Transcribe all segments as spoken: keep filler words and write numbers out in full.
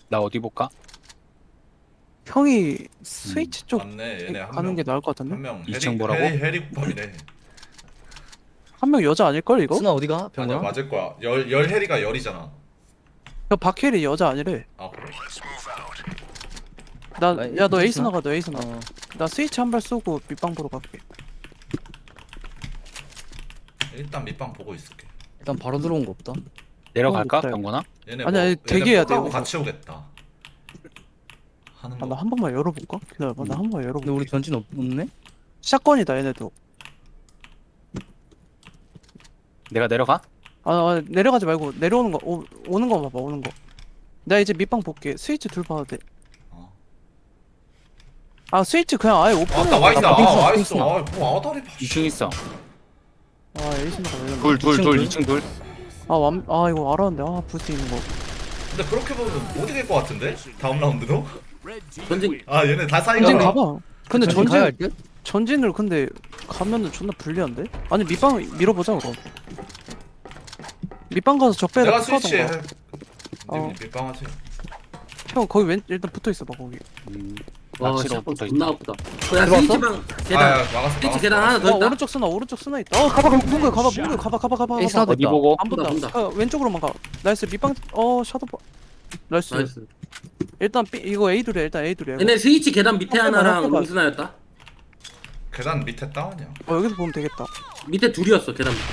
나 어디 볼까? 형이 스위치 쪽 맞네. 얘네 한 가는 명. 게 나을 것 같은데? 한 명. 이 해리 층 뭐라고? 해리 해리국밥이래. 한 명 여자 아닐걸 이거? 스나 어디가? 아니야 병원아? 맞을 거야. 열 열 해리가 열이잖아. 저 박혜리 여자 아니래. 아 그래? 나 아, 야 너 이- 에이스 나가 너 에이스 나가. 어. 나 스위치 한 발 쏘고 밑방 보러 갈게. 일단 밑방 보고 있을게. 일단 바로 들어온 거 없다. 내려갈까? 없다, 이거. 병건아? 얘네 아니야, 뭐, 대기해야 돼, 하고 여기서. 같이 오겠다. 하는 아 거. 나 한 번만 열어볼까? 기다려봐 나 한 번만 근데 열어볼게. 우리 전진 없, 없네? 샷건이다 얘네도. 내가 내려가? 아, 아 내려가지 말고 내려오는 거 오, 오는 거 봐봐 오는 거. 내가 이제 밑방 볼게. 스위치 둘 봐도 돼. 어. 아 스위치 그냥 아예 오픈해. 아따 와있다. 나 아 빙수, 와있어. 빙수나. 아뭐 아다리 봐. 이 층 있어. 아 에이스 나가 왜 이러나? 둘, 둘, 이 층 둘, 둘? 이 층 둘. 아, 완, 아 이거 알았는데 아 부스 있는 거. 근데 그렇게 보면 못 이길 것 같은데? 다음 라운드도? 전진 아 얘네 다 사이가. 전진 가봐. 근데 전진 가야 할 전진 듯? 전진을 근데 가면은 존나 불리한데? 아니 밑방 밀어보자 그럼. 밑방 가서 적배를 내가 스위치해. 어. 밑방하지. 형 거기 왼 일단 붙어 있어봐 거기. 음, 와 낚시로 샷건 붙어 존나 있다. 아프다. 야 들어왔어? 스위치방 아 계단 야, 막았어. 스위치 막았어, 계단 하나 막았어. 더 어 있다. 오른쪽 쓰나 오른쪽 쓰나 있다. 어 가봐 문거 가봐 문거 가봐 가봐 가봐 에이스 가봐. 나도 어디 있다. 보고? 안 본다. 본다, 본다. 아, 왼쪽으로만 가. 나이스 밑방 어 샤도 봐. 나이스. 나이스. 일단 B, 이거 A 둘이야 일단 A 둘이야. 이거. 얘네 스위치 계단 밑에 한 번만, 한 하나랑 번만. 롱스나였다. 계단 밑에 다운이야. 어 여기서 보면 되겠다. 밑에 둘이었어 계단 밑에.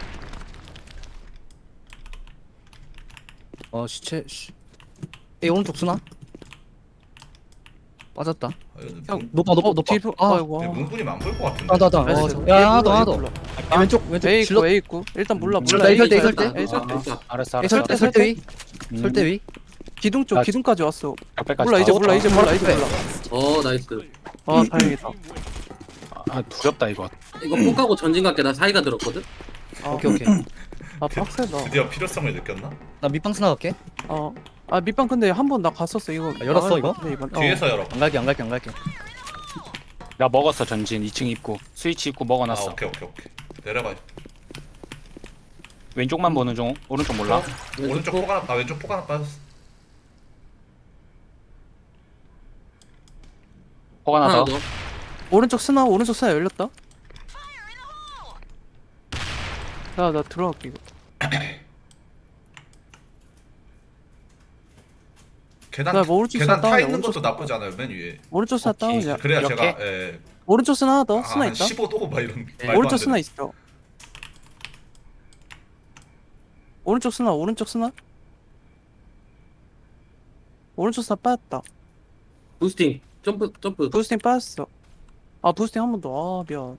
어 시체 씨. 에이 오른쪽 스나? 빠졌다. 아, 얘는 형, 문- 높아 높아 어, 높아. 뒤로 아, 아이고. 얘 문군이면 안 볼 것 같은데. 아 나다. 나이스. 어, 야 하나 더 A 하나 더. 몰라. 아, 왼쪽 왼쪽 A 질러. 있고 A 있고 일단 몰라 몰라. 나 A 이설 때, 있다, 이설 때. 일단. A 설 때. 있다. 알았어, 에이 알았어. 설대 설대 위. 음, 설대 위. 기둥 쪽 아, 기둥까지 왔어. 벽배까지 몰라 다 이제 왔다. 몰라 이제 몰라 이제 몰라. 어 나이스. 아 다행이다. 아, 두렵다 이거. 이거 폭하고 전진 갈게. 나 사이가 들었거든. 아, 오케이 오케이. 아 빡세다. 드디어 필요성을 느꼈나? 나 밑방 스나 갈게. 어. 아 밑방 근데 한 번 나 갔었어 이거. 아, 열었어, 나갈 이거? 것 같은데, 이번. 어. 뒤에서 열어. 안 갈게 안 갈게 안 갈게. 나 먹었어 전진 이 층 입구. 스위치 입구 아 먹어놨어. 오케이 오케이 오케이. 내려가. 왼쪽만 보는 중. 오른쪽 몰라. 오른쪽 폭 하나. 아 왼쪽 폭 하나 빠졌어. 포가 하나 하나 더. 더. 오른쪽 스나 오른쪽 스나 열렸다. 나 나 들어갈게 이거. 계단 나 뭐 오른쪽 계단 스나 타 다운이야, 있는 오른쪽 것도 스나. 나쁘지 않아요. 맨 위에. 오른쪽 스나 오케이. 다운이야. 그래야 이렇게? 제가 예. 오른쪽 스나 하나 더 아, 스나 한 있다. 십오 도 막 이런. 말도 안 오른쪽 되는. 스나 있어. 오른쪽 스나 오른쪽 스나. 오른쪽 스나 빠졌다. 부스팅. 점프 점프. 부스팅 빠졌어. 아 부스팅 한 번 더. 아 미안.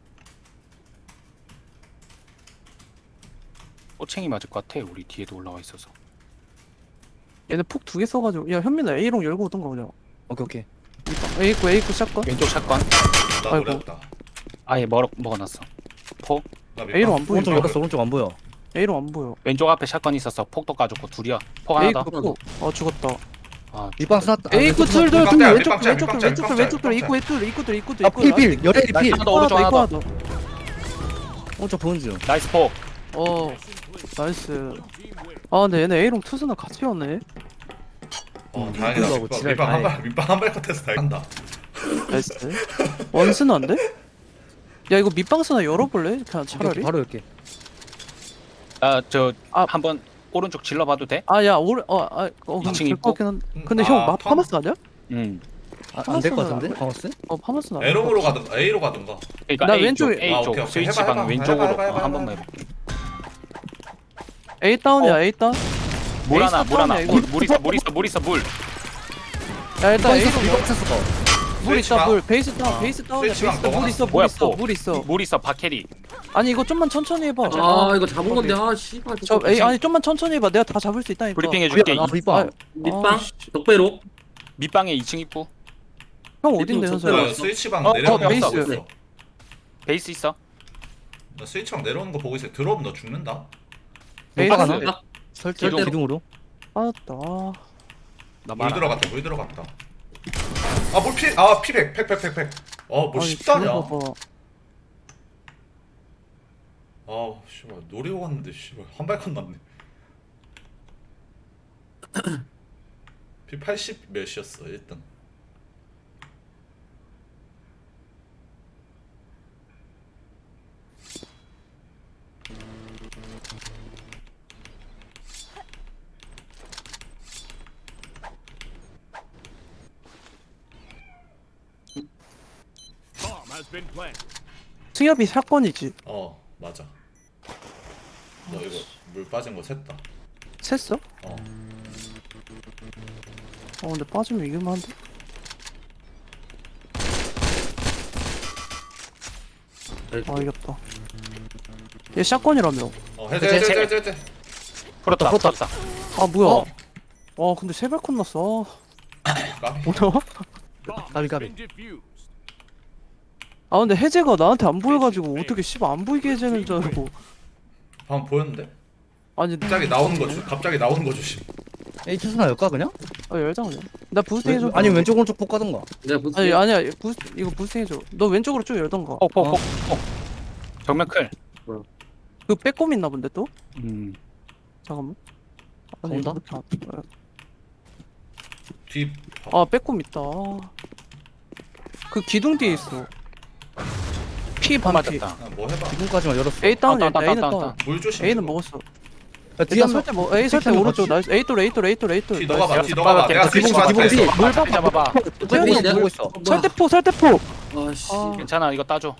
꼬챙이 맞을 것 같아. 우리 뒤에도 올라와 있어서. 얘네 폭 두 개 써가지고. 야 현민아 A롱 열고 오던가 그냥. 오케이 오케이. 밑방. A 있고 A 있고 샷건. 왼쪽 샷건. 나 아이고. 노렸다. 아예 먹 먹어놨어. 포. 나 밑방- A로 안 보여. 오른쪽 열었어 오른쪽 안 보여. A롱 안 보여. 왼쪽 앞에 샷건 있었어. 폭도 까줬고 둘이야. 폭 하나 A 더. 있고 폭. 어 죽었다. 아, 밑방 스나. 아, A 있고 왼쪽 스나. 둘둘 밑방 둘 짤, 왼쪽 밑방 짤, 왼쪽 밑방 둘 짤, 왼쪽 둘 밑방 왼쪽 둘 짤. 있고 있고 있고 있고 있고 아 필필 열애리 필. 하나 더 오른쪽 하나 더. 오른쪽 보는 중. 나이스 폭. 어 나이스. 아 근데 얘네 A롱 투스나 같이 왔네. 어 음, 다행이다. 이거하고 밑방 지랄 밑방 다 한 해. 발, 밑방 한발 컷해서 다행이다. 나이스. 원스나인데? 야 이거 밑방 스나 열어볼래? 그냥 차라리. 오케이, 바로 열게. 아저 아. 한번 오른쪽 질러봐도 돼? 아야 오른 어아 어, 이 층 될것 있고? 같긴 한. 음, 근데 아, 형 마, 턴. 파마스 아니야? 응. 안 될 것 파마스는 같은데? 안 파마스? 어 파마스는 안 에롱으로 가든 A로 가든가. 그러니까 나 A 쪽, 왼쪽에- A 아, 쪽 오케이, 오케이. 스위치 해봐, 방 해봐. 왼쪽으로 해봐, 해봐, 어, 한 해봐. 번만 해봐. A 다운이야 어. A 다운. 물 A 하나, 물 하나. 다운이야, 이거. 물, 물 있어, 물 있어, 물 있어, 물. 야 일단 밑방 A 있었어 밑방 있었어. 물 스위치 있다 방. 물 베이스 다운 어. 베이스 다운이야 스위치 베이스 방 다운 물 있어 물 뭐야, 있어 뭐? 물 있어. 물 있어, 바케리. 아니 이거 좀만 천천히 해봐. 아 이거 잡은 건데 아 씨발. 저 A 아니 좀만 천천히 해봐. 내가 다 잡을 수 있다니까. 브리핑 해줄게. 아 밑방. 밑방 아, 씨. 덕배로. 밑방에 이 층 입구. 형 어딘데 저- 현서야? 그 스위치방 어, 내려오는 어, 거 베이스. 보고 있어. 베이스 있어. 나 스위치방 내려오는 거 보고 있어. 들어오면 너 죽는다. 베이스 오빠가 나? 딱 설정 절대로. 기둥으로. 빠졌다. 아, 나 물 말. 들어갔다. 물 들어갔다. 아뭘 피? 아 피백 팩팩팩팩. 어뭐 아니, 십다냐? 들어봐봐. 아 씨발 노리고 갔는데 씨발 한 발컷 났네. 피 팔십 몇이었어 일 등. Bomb has been planted. 승엽이 사건이지. 어 맞아. 너 이거 물 빠진 거 샜다. 셌어? 어. 어 근데 빠지면 이길만 한데? 아 이겼다. 얘 샷건이라며. 어 해제 해제 해제 해제 해제. 풀었다 풀었다. 풀었다. 아 뭐야? 어? 와 근데 세발콘 났어. 까비. 뭐야? Bomb Gabi, has Gabi. been defused. 아 근데 해제가 나한테 안 보여가지고 어떻게 씨발 안 보이게 해제는 줄 알고. 방금 보였는데? 아니 갑자기 나오는 거 조, 갑자기 나오는 거 조심. 에이 투수나 열까 그냥? 아 열장 그냥. 나 부스팅 해줘. 아니 왼쪽 오른쪽 폭 가던가. 내가 부스. 아니 아니야 부스 이거 부스팅 해줘. 너 왼쪽으로 쭉 열던가. 폭폭폭 폭. 정면 클. 그 빼꼼 있나 본데 또? 음. 잠깐만. 아니, 온다? 이렇게 안- 뒤. 아 빼꼼 있다. 그 기둥 뒤에 있어. 피 반피. 맞았다. 아, 뭐 해봐. 지금까지만 열었어. A 다운이야. 다운, 다운, A는 다운, 다운. 다운. 물 조심. A는 먹었어. 야, 뒤에 일단 한 명. 설때 뭐 A 설때 픽하는 오른쪽 거지. 나이스. A 또 A 또 A 또 A 또. 뒤 너가 봐. 뒤 너가 봐. 나이스. 내가 스위치 기본, 맞대. 기본, 물 기본. 잡아봐. 태현이 내가- 보고 있어. 설대포 설대포. 아씨. 아. 괜찮아 이거 따줘.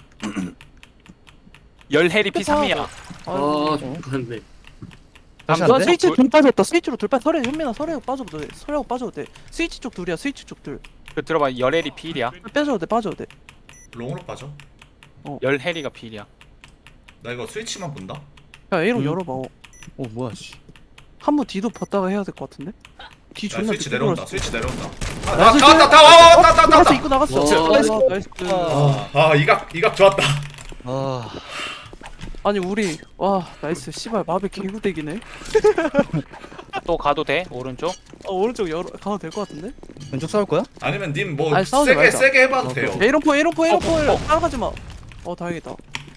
열 해리 피 삼이야. 아 아, 죽겠네. 다시 나 안 돼? 스위치 둘 빠졌다. 스위치로 둘 빠. 설에 현민아 설에 빠져도 돼. 설하고 빠져도 돼. 스위치 쪽 둘이야. 스위치 쪽 둘. 그 들어봐 열 해리 필이야. 빼줘도 돼. 빠져도 돼. 롱으로 빠져. 열 해리가 필이야. 나 이거 스위치만 본다. 야 A로 음. 열어봐. 어. 어 뭐야 씨. 한 번 D도 봤다가 해야 될 것 같은데. D 야, 존나 스위치 늦게 내려온다. 돌았어. 스위치 내려온다. 아, 나이스, 다 왔다. 다 와. 와, 왔다. 왔다. 왔다. 나갔어. 왔다. 입고 나갔어. 와. 나이스. 나이스. 아, 아, 이각 이각 좋았다. 아 아니 우리 와 나이스. 씨발 마비 개구대기네. 또 가도 돼 오른쪽. 어 오른쪽 열어 가도 될 것 같은데. 왼쪽 싸울 거야? 아니면 님 뭐 아니, 싸우지 세게 말자. 세게 해봐도 어, 돼요. 에이런포 에이런포 에이런포 어, 어. 따라가지 마. 어 다행이다.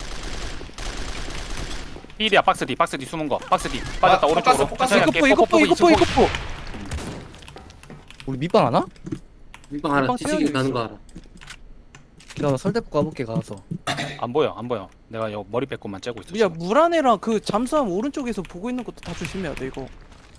필이야 박스 D 박스 D 숨은 거. 박스 D 빠졌다 아, 오른쪽으로. 포커스, 포커스. 천천히 이거 할게. 포 이거 포 뽀뽀, 이거 포 이거 이거 포. 우리 밑방 하나? 밑방 알아. 밑방 뒤치기 태연이 가는 있어. 거 알아. 기다려 설대폭 가볼게 가서. 안 보여 안 보여. 내가 여 머리 빼고만 째고 있어. 야 지금. 물 안에랑 그 잠수함 오른쪽에서 보고 있는 것도 다 조심해야 돼 이거.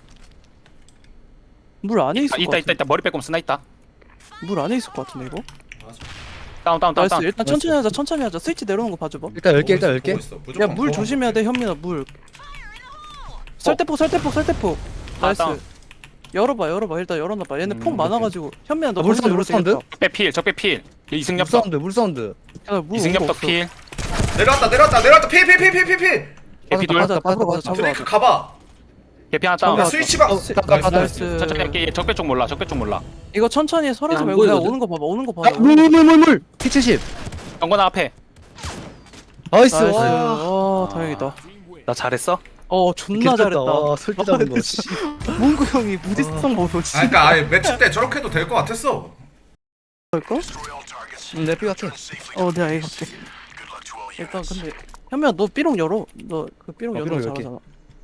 물 안에 아, 있을 것 있다 있다 같은데. 있다 머리 빼고 스나 있다. 물 안에 있을 것 같은데 이거. 맞아. 다운 다운 다운 나이스. 다운. 일단 천천히 하자. 천천히 하자. 스위치 내려오는 거 봐줘봐. 일단 열개 일단 열개. 보고 있어, 무조건 야 물 보고 조심해야 있어. 돼 현민아 물. 설대포 설대포 설대포. 아, 나이스. 다운. 열어봐 열어봐 일단 열어놔봐. 얘네 음, 폭 많아가지고 현민아 너 아, 물 벌써 사운드, 물 열어도 사운드? 되겠다. 적배 필 적배 필. 물 이승엽도 사운드 물 사운드. 야, 물 이승엽도 온거 없어. 필. 내려왔다. 내려왔다. 내려왔다. 피 피 피 피 피 피. 개피 둘. 맞아, 빠졌다, 잡아, 빠졌다, 잡아. 드레이크 가봐. 개피 하나 야 다운. 잡아. 스위치방. 어, 나이스. 가, 가, 가, 나이스. 천천히 할게. 얘 적배 쪽 몰라. 적배 쪽 몰라. 이거 천천히 설하지 야, 안 말고 그냥 보이거든? 오는 거 봐봐. 오는 거 봐봐. 물물물물 피 칠십. 정건아 앞에. 나이스. 나이스. 와. 아 다행이다. Team win. 나 잘했어? 어 존나 잘했다. 와 설대 잡은 거. 씨. 문구 형이 무지성 보고 씨. 아 그러니까 아예 매치 때 저렇게 해도 될 것 같았어. 할까? 응, 내 삐같아. 어 내가 이거 할게. 일단 근데 현민아 너 삐롱 열어. 너 그 삐롱 아, 열어 삐롱 열게. 잘하잖아.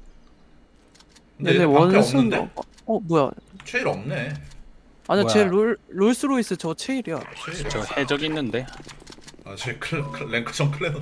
근데 얘네 얘네 방패 원순 없는데? 어, 어 뭐야? 최일 없네. 아니야 뭐야? 쟤롤 롤스로이스 저 체일이야. 최일. 저 해적 있는데. 아쟤 클 클- 랭크전 클레너.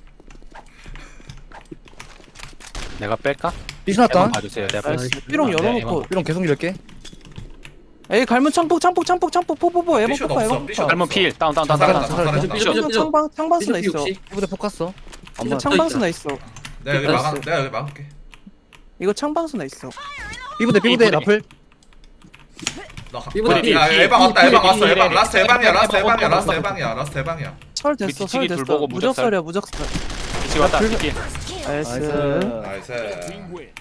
내가 뺄까? 삐 났다. 한번 봐주세요. 내가 나이스. 뺄게. 삐롱 네, 열어놓고. 삐롱 계속 열게. 에이 갈문 창폭 창폭 창폭 창폭 포포포 에버 삐숏 포파 없어, 에버 삐숏. 포파. 할문 필 다운 다운 다운 자살한다. 다운. 자살한다. 삐져, 삐져, 삐져. 창방 창방스나 삐져, 있어. 삐져. 이부대 폭 갔어. 이거 있다. 창방스나 있어. 내가 여기 나이스. 막아. 내가 여기 막을게. 이거 창방스나 있어. 삐부대 삐부대 삐부대. 라플. 나 가. 이번에 야 삐, 에방 삐, 왔다. 삐, 에방 삐, 왔어. 삐, 에방 삐, 라스트 삐, 에방이야. 삐, 라스트 삐, 에방이야. 삐, 라스트 삐, 에방이야. 라스트 에방이야. 설 됐어 뒤치기 설 둘 됐어. 보고 무적설이야 무적설. 뒤치 왔다. 불- 뒤치. 나이스. 나이스. Team win.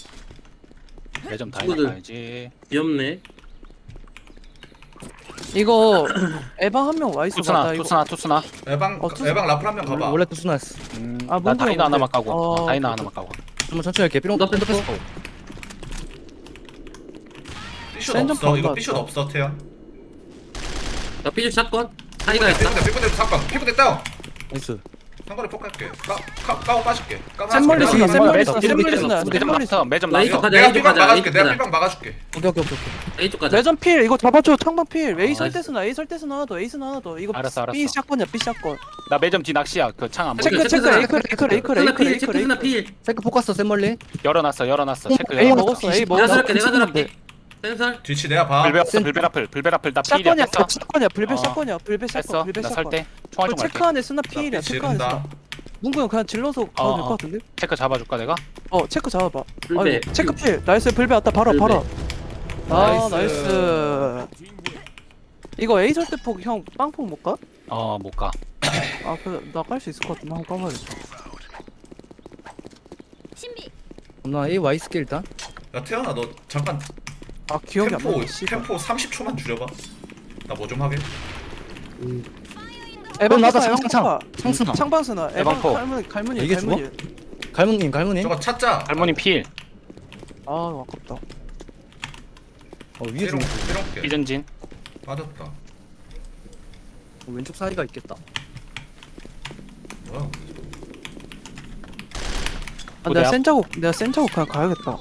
매점 다 친구들. 해놔야지. 귀엽네. 이거 에방 한 명 와 있어. 봐. 투스나 나 이거 투스나 투스나. 에방 어, 투수- 에방 라플 한 명 가봐. 원래 투수나였어. 음, 아, 나 뭔지 다이나 하나만 모르겠네. 까고. 어, 다이나 오케이, 하나만 까고. 한번 천천히 할게. 삐롱 나 삐롱 뺐어. 뺐어. 삐숏 센점 없어. 이거 방금 삐숏 왔다. 없어 태연. 나 삐죽 샷건. 사이가 했다. 피부대 피부대 사건. 피부대 다운. 나이스. 상거리 폭 갈게. 까, 까, 까고 빠질게. 까고 샘멀리 빠질게. 스나 샘멀리 스나 삐- 삐- 샘멀리 삐- 스나 매점 샘멀리 스나 났어. 매점 나 이쪽 났어. 가자. 내가 A 쪽 삐방 가자. A 막아줄게. 쪽 내가 가자. 삐방 막아줄게. 오케이 오케이 오케이 오케이. A 쪽 가자. 매점 필 이거 잡아줘 창방 필 A 아, 설대 스나 A 설대 스나 하나 더 A 스나 하나 더 이거 알았어, 알았어. B 샷건이야 B 샷건 나 매점 뒤 낚시야. 그 창 안 보여. 체크 체크 체크 스나. 에이클 에이클 에이클 스나 에이클 필. 에이클 체크 스나 에이클 필. 체크 포커스 샘멀리. 열어놨어. 열어놨어. 체크 A 열어놨어. 먹었어 A 내가 먹었어 들어갈게. 내가 들어갈게. 센설. 뒤치 내가 봐. 불배 없어. 불배 라플. 불배 라플. 나 필이야. 샷건이야 뺐어. 샷건이야 불배 어. 샷건이야 불배 뺐어. 샷건 불배 나 샷건 설 때. 총알 좀 체크 갈게. 안에 스나 필이야 체크 안에 스나 지른다. 문구 형 그냥 질러서 가도 될 것 어. 같은데? 체크 잡아줄까 내가? 어 체크 잡아봐 불배. 아이고, 체크 필 나이스 불배 왔다 바로 불배. 바로 아 나이스. 나이스 Team win. 이거 A 설대폭 형 빵폭 못 가? 어 못 가. 아 그래 나 깔 수 있을 것 같은데 한번 까봐야겠다 나 A Y 스킬 일단. 야 태연아 너 잠깐 아 기억이 안 템포 나네 씨발 템포 삼십 초만 줄여봐. 나 뭐 좀 하게. 에방 나다 스나, 창창창. 에방 창스나. 창방 스나 에방 에방포. 갈문 갈문이 이게 갈문이 갈무님 갈무님. 저거 찾자. 할머니 필. 아 아깝다 어 위에 좀 삐롱 삐롱게. 이전진. 빠졌다. 어, 왼쪽 사이가 있겠다. 뭐야? 아, 부대 내가 앞. 센 자국 내가 센 자국 그냥 가야겠다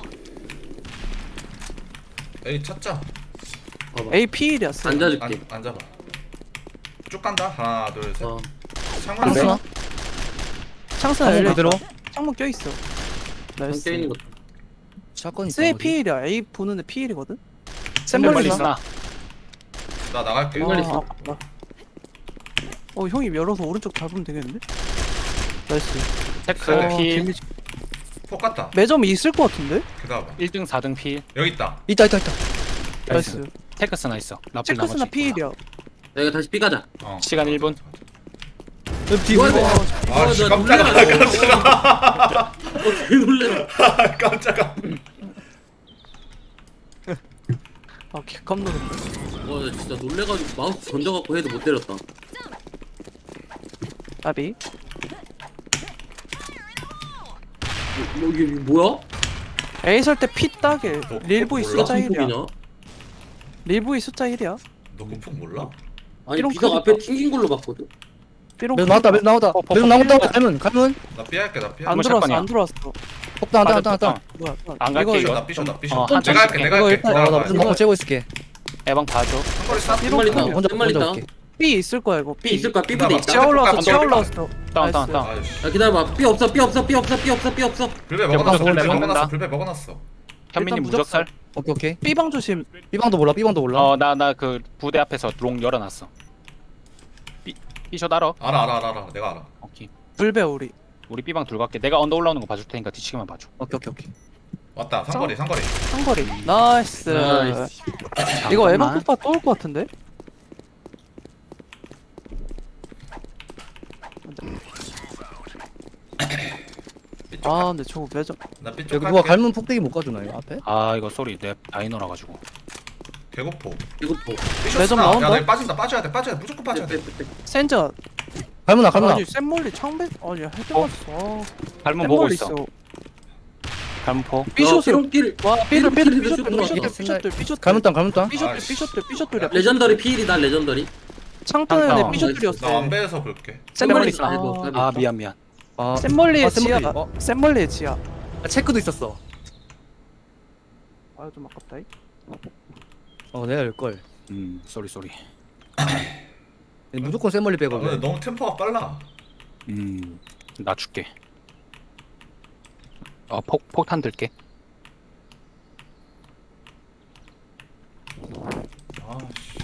에이 찾자. 봐봐. A P 일이야 센 앉아줄게. 안 앉아봐. 쭉 간다. 하나 둘 셋. 어. 창문 창스나. 안 창스나 창문 열려 그대로. 창문 껴있어 나이스 껴 있는 것도. 샷건 있어. 스에 P 일이야 A 보는데 P 일이거든? 샘멀리 샘멀리 스나. 나 나갈게. 샘멀리 아, 있어. 아깝다. 어 형이 열어서 오른쪽 잡으면 되겠는데? 나이스 체크 어, 필. 데미지- 폭 갔다. 매점이 있을 것 같은데? 기다려봐. 일 등 사 등 필. 여기 있다. 있다 있다 있다. 나이스 체크 스나 있어. 라플 체크스나 나머지. P 일이야 내가 다시 B 가자. 어. 시간 일 분. 뒤 이거 이거. 아, 어, 씨, 나 깜짝아, 놀래라. 깜짝아. 어, 개 놀래라. 깜짝아. 아 개깜놀랐네 와, 나 진짜 놀래가지고 마우스 던져갖고 해도 못 때렸다. 나비 뭐, 이게 뭐야? A 설때 P 따길 너 릴보이 몰라? 숫자 무슨 일이야 폭이냐? 릴보이 숫자 일이야 너그폭 몰라? 아니, 이런 비석 크기가- 앞에 튕긴 걸로 봤거든? 삐롱 매점 나왔다 매점 나왔다. 포, 포, 매점 포. 나왔다. 갈문 갈문. 나 삐할게 나 안 삐할게. 들어왔어 샷건이야. 안 들어왔어 폭다 한다 한다 한다. 뭐야 안 갈게, 이거 이거. 나 삐셔 나 삐셔. 어, 내가 한참 할게 내가 이거 할게. 일단- 내가 아, 나 할게. 무슨 거 째고 있을게. 에방 봐줘. 한거리 싹. 삐롱 샘멀리 크기야. 있다. 혼자 샘멀리 혼자 있다. 올게. B 있을 거야 이거 B B 있을 거야. B 부대 나 있다. 막- 지하올라왔어 삐- 지하올라왔어 다운 다운 나이스. 다운. 아이씨. 야, 기다려봐. B 없어, B 없어, B 없어, B 없어, B 없어. 불배 먹어놨어. 불배 먹는다. 먹어놨어. 불배 먹어놨어. 현민이 일단 무적살. 오케이 오케이. B방 조심 B방도 몰라 B방도 몰라. 어 나 나 그 부대 앞에서 롱 열어놨어. 삐 삐셔 알아. 알아 알아 알아 알아. 내가 알아. 오케이. 불배 우리 우리 B방 둘 갈게. 내가 언더 올라오는 거 봐줄 테니까 뒤치기만 봐줘. 오케이 오케이 오케이. 왔다. 상거리 상거리. 상거리 나이스 나이스. 이거 잠깐만. 에방 폭파 또 올 것 같은데? 삐쪽. 아 근데 저거 매점 나 삐쪽 여기 누가 갈게. 갈문 폭대기 못 가주나 이거 앞에? 아 이거 소리 내 다이너라 가지고. 개고포. 이거 보. 삐셔 매점 쓰나? 나온다? 야, 나 빠진다. 빠져야 돼. 빠져야 돼. 무조건 빠져야 돼. 센저 갈문아 갈문아. 아니 샘멀리 창배 아니 할때 어? 봤어 갈문 보고 샘멀리 있어. 갈문포. 삐숏을 삐롱길. 와 삐들 삐들 삐롱길에도 삐숏들 들어와. 삐숏들 삐숏들 삐숏들 갈문 땅 갈문 땅. 삐숏들 아이씨. 삐숏들 삐숏들이야 레전더리 필이다, 레전더리. 창탄에 창탄. 삐숏들이었어 나 안배에서 볼게. 샘멀리 샘멀리 아, 아, 아 미안 미안. 아 샘멀리의 아, 샘멀리. 지하 어. 샘멀리의 지하 아, 체크도 있었어. 아 좀 아깝다 이. 어 내가 열 걸. 음 쏘리 쏘리. 무조건 샘멀리 아, 빼고. 근데 너무 템포가 빨라. 음 낮출게. 어폭 폭탄 들게. 아 씨.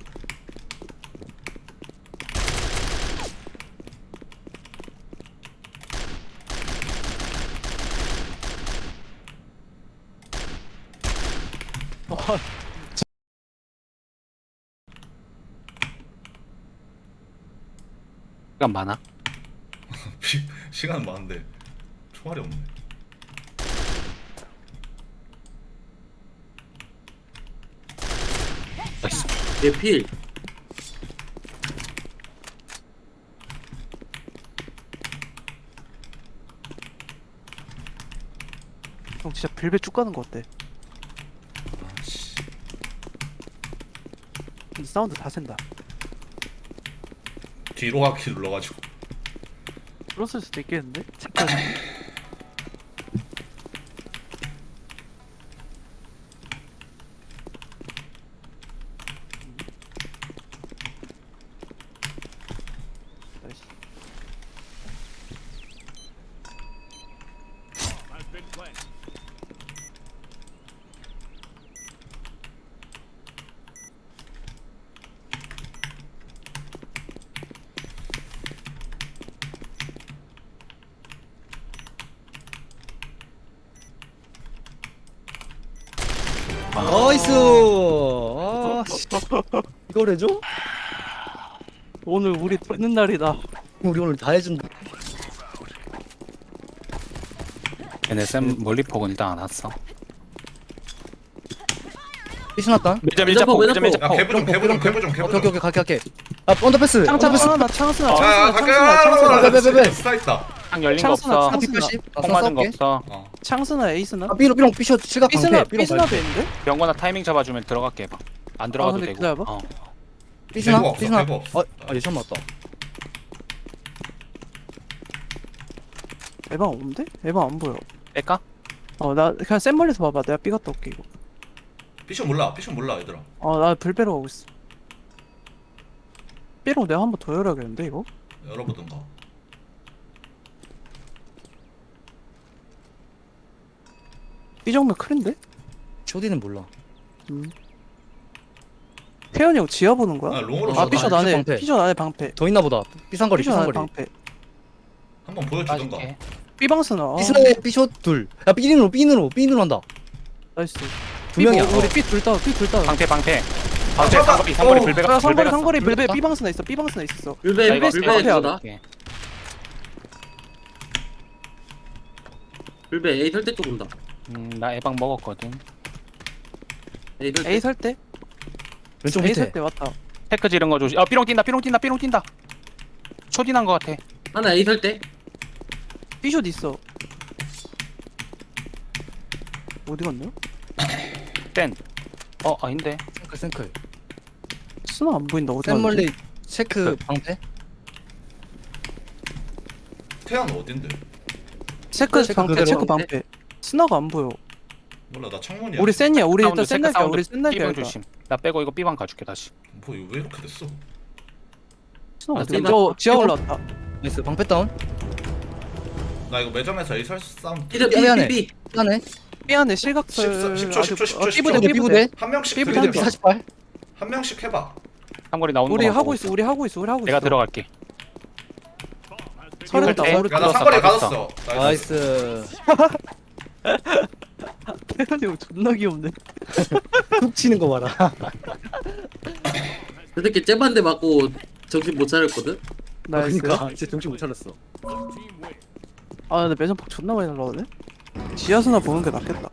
시간 많아. 시- 시간 많은데 총알이 없네. 나이스. 얘 필. 형 진짜 빌베 쭉 가는 거 어때? 아씨. 근데 사운드 다 센다 뒤로 가기 눌러가지고. 뚫었을 수도 있겠는데? 체크해서. 나이스. Has been planted. 나이스. 아, 씨. 이걸 해줘? 오늘 우리 되는 날이다. 우리 오늘 다 해준다. 걔네 쌤 멀리 폭은 일단 안 왔어. 피신났다. 밀자 밀자 밀자 폭, 폭 밀자 밀자 밀자 야 폭. 개부 좀 개부 좀 개부 좀 오케이 개부 오케이 좀. 오케이 갈게 갈게. 아 언더패스. 창 언더패스. 창스나 창스나 야 창스나 갈게. 창스나 창스나 빼빼빼빼. 스나 있다. 창 열린 거 창스나, 없어. 창스나. 피 팔십. 폭 맞은 거 없어. 어. 창스나 에이스나? 아 삐로 삐롱 삐쇼 실각 삐스나 방패. 삐롱 삐스나 방패. 베인데? 병건아 타이밍 잡아주면 들어갈게 봐. 안 들어가도 근데 되고. 기다려봐. 어. 개구 삐스나 없어, 삐스나. 개구 없어. 아 예션 맞다. 에방 없는데? 에방 안 보여. 뺄까? 어 나 그냥 센 멀리서 봐봐. 내가 삐갔다 올게 이거. 피션 몰라 피션 몰라 얘들아. 어 나 불배로 가고 있어. 삐롱 내가 한 번 더 열어야겠는데 이거? 열어보든가. 삐 정면 클인데? 쇼디는 몰라. 음. 태현이 형 지하 보는 아 거야? 롱으로 아 줘. 삐숏 나 안에 방패. 삐숏 안에 방패. 더 있나 보다. 삐상거리 삐숏 안에 삐상거리. 방패. 한번 보여주든가. 빠질게. 삐방스나. 아, 삐스나에 삐쇼 둘. 야 삐인으로 삐인으로 삐인으로 한다. 나이스. 두 명이야. 삐, 우리 삐둘 다운 삐둘 다운. 방패 방패. 아, 방패 잠깐. 상거리 상거리 어. 불배가 야 상거리 불배가. 상거리 불배 불배다? 삐방스나 있어 삐방스나 있었어. 불배 나 이거 불배 앞에 이거다. 할게. 불배 A 설대 쪽 온다. 음, 나 에방 먹었거든. A 설대. A 살 때? 왼쪽 A 밑에. 살 때 왔다. 테크 지른 거 조심. 아 삐롱 뛴다 삐롱 뛴다 삐롱 뛴다. 초딩한 거 같아. 하나 A 설대. 삐숏 있어. 어디 갔냐? 땐. 어 아닌데. 생클 생클. 스나 안 보인다 어디 갔지? 샘멀리 체크 방패. 태양 어딘데? 체크 체크 방패 그대로 체크 방패. 방패. 스나가 안 보여. 몰라 나 창문이야. 우리 센이야. 우리 사운드, 일단 센 체크 날이야. 사운드. 우리 센 날이야. 삐방 일단. 조심. 나 빼고 이거 삐방 가줄게 다시. 뭐 이거 왜 이렇게 됐어? 스나 아, 어디? 삐방. 저 지하 삐방. 올라왔다. 나이스 방패 다운. 나 이거 매점에서 에이설 사운드. B대 삐 안에. B B B. 하네. 삐 안에 실각설. 십 초, 십 초, 십 초, 십 초. 삐부대 삐부대 삐부대. 삐부대. 한 명씩 삐부대 들이대 삐부대. 봐. 사십팔. 한 명씩 해봐. 상거리 나오는 우리 거 하고 있어. 우리 하고 있어. 우리 하고 있어. 내가 들어갈게. Bomb has been 서른다. 삐부대. 오른쪽. 야나 뚫었어, 상거리 빠졌어. 가졌어. 나이스. 태현이 형 존나 귀엽네. 툭 치는 거 봐라. 저 새끼 째반대 맞고 정신 못 차렸거든. 나이스. 그러니까 이제 정신 못 차렸어. team win. 아 근데 매점 폭 존나 많이 날라오네. 지하수나 보는 게 낫겠다.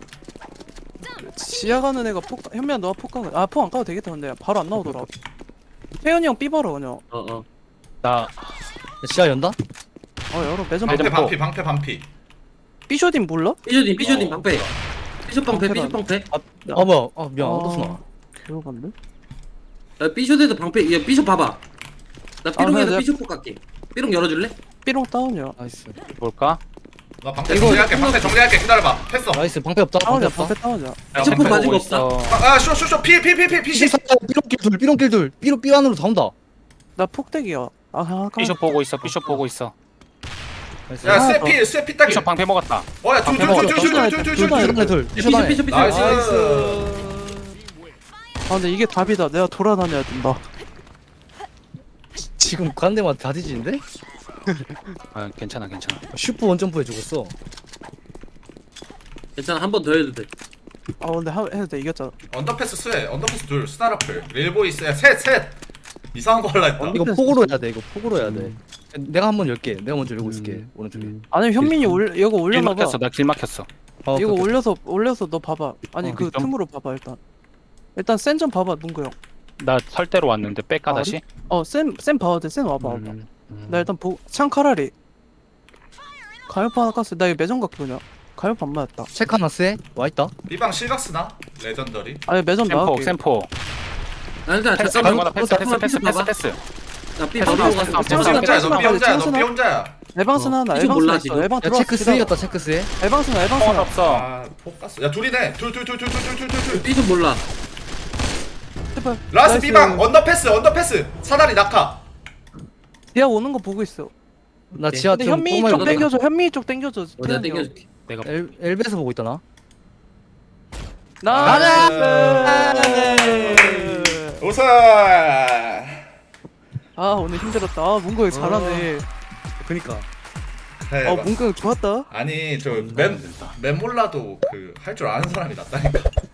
지하 가는 애가 폭 현미야 너가 폭 가는 아폭 안 가도 되겠다. 근데 바로 안 나오더라. 태현이 형 삐바로 그냥. 어 어. 나 지하 연다? 어 열어 매점 방패 매점 반피 방패 반피. 삐쇼딘 몰라? 삐쇼딘 삐쇼딘 어. 방패. 삐쇼 방패 방패다. 삐쇼 방패. 아 뭐야? 아 미안. 언더스나. 개로반데? 야 삐쇼에도 방패. 야 삐쇼 봐봐. 나 아, 삐롱에서 내가- 삐쇼 폭 갈게. 삐롱 열어줄래? 삐롱 다운이야. 나이스. 볼까? 나 방패 이거- 정리할게. 방패 정리할게. 기다려봐. 했어. 나이스. 방패 없다. 방패 다운이야 없다. 방패 다운이야. 야, 체크 방패 맞은 보고 거 없다. 있어. 아쇼쇼쇼 피피피피 피시. 삐롱길 둘. 삐롱길 둘. 삐로 삐 안으로 다 온다. 나 폭대기야. 아 아까 삐숍 보고 있어. 삐숍 보고 있어. 나이스. 야 아, 쇠피 쇠피 따기. 삐숍 방패 먹었다. 어야 방패 먹었어. 둘둘둘둘둘둘둘. 삐쇼 둘. 삐쇼 삐쇼 안에. 삐쇼 삐쇼. 나이스. 아 근데 이게 답이다. 내가 돌아다녀야 된다. 지금 가는 데마다 다 뒤지는데? 아 괜찮아 괜찮아. 슈퍼 원점프 해주겠어. 괜찮아 한 번 더 해도 돼. 아 근데 하, 해도 돼 이겼잖아. 언더패스 쇠. 언더패스 둘. 스나라플. 릴보이스. 셋 셋. 이상한 거 할라 했다. 언더- 이거 폭으로 해야 돼. 이거 폭으로 해야 돼. 내가 한번 열게. 내가 먼저 열고 있을게. 오른쪽에. 아니 현민이 올 이거 길 올려놔봐. 막혔어. 나 길 막혔어. 어, 이거 오케이, 오케이. 올려서 올려서 너 봐봐. 아니 어, 그 좀- 틈으로 봐봐 일단. 일단 센 좀 봐봐 문구 형. 나 설대로 왔는데 뺄까 아, 다시? 어센센 봐도 돼. 센 와봐 와봐. 음, 음. 나 일단 보 창카라리. 가열파 하나 깠어. 나 이거 매점 갈게 그냥. 가열파 안 맞았다. 체크 하나 쎄. 와있다. B방 실각스나? 레전더리. 아니 매점 샘포 나갈게. 샘포. 아 일단 패스 잠깐만. 병건아 패스 패스 잠깐만, 패스 삐쇼 패스 봐봐. 패스. 나 삐 패스, 바로 패스, 가서 패스, 삐 패스, 혼자야. 패스, 너삐 혼자야. 패스, 너삐 혼자야. 에방스는 어, 하나. 피좀 에방스 몰라, 있어. 지금. 에방 야 들어왔어. 체크 쓰였다 체크 쓰. 에방스는 펑 에방스는. 없어. 아, 폭 갔어. 야, 둘이네. 둘, 둘, 둘, 둘, 둘, 둘, 둘, 둘, 둘. 삐좀 몰라. 제발. 라스 나이스. B방 언더패스, 언더패스. 사다리 낙하. 디아 오는 거 보고 있어. 나 지하 근데 좀 현미 뽕 쪽 말고 땡겨줘. 현미 쪽 땡겨줘. 어, 내가 땡겨줄게. 내가 엘 엘베에서 보고 있다 나. 나이스. 우선. 아 오늘 힘들었다. 아 문구 형 잘하네. 그니까. 그래, 아 막- 문구 형 좋았다. 아니 저 음, 맵 된다. 맵 몰라도 그 할 줄 아는 사람이 낫다니까.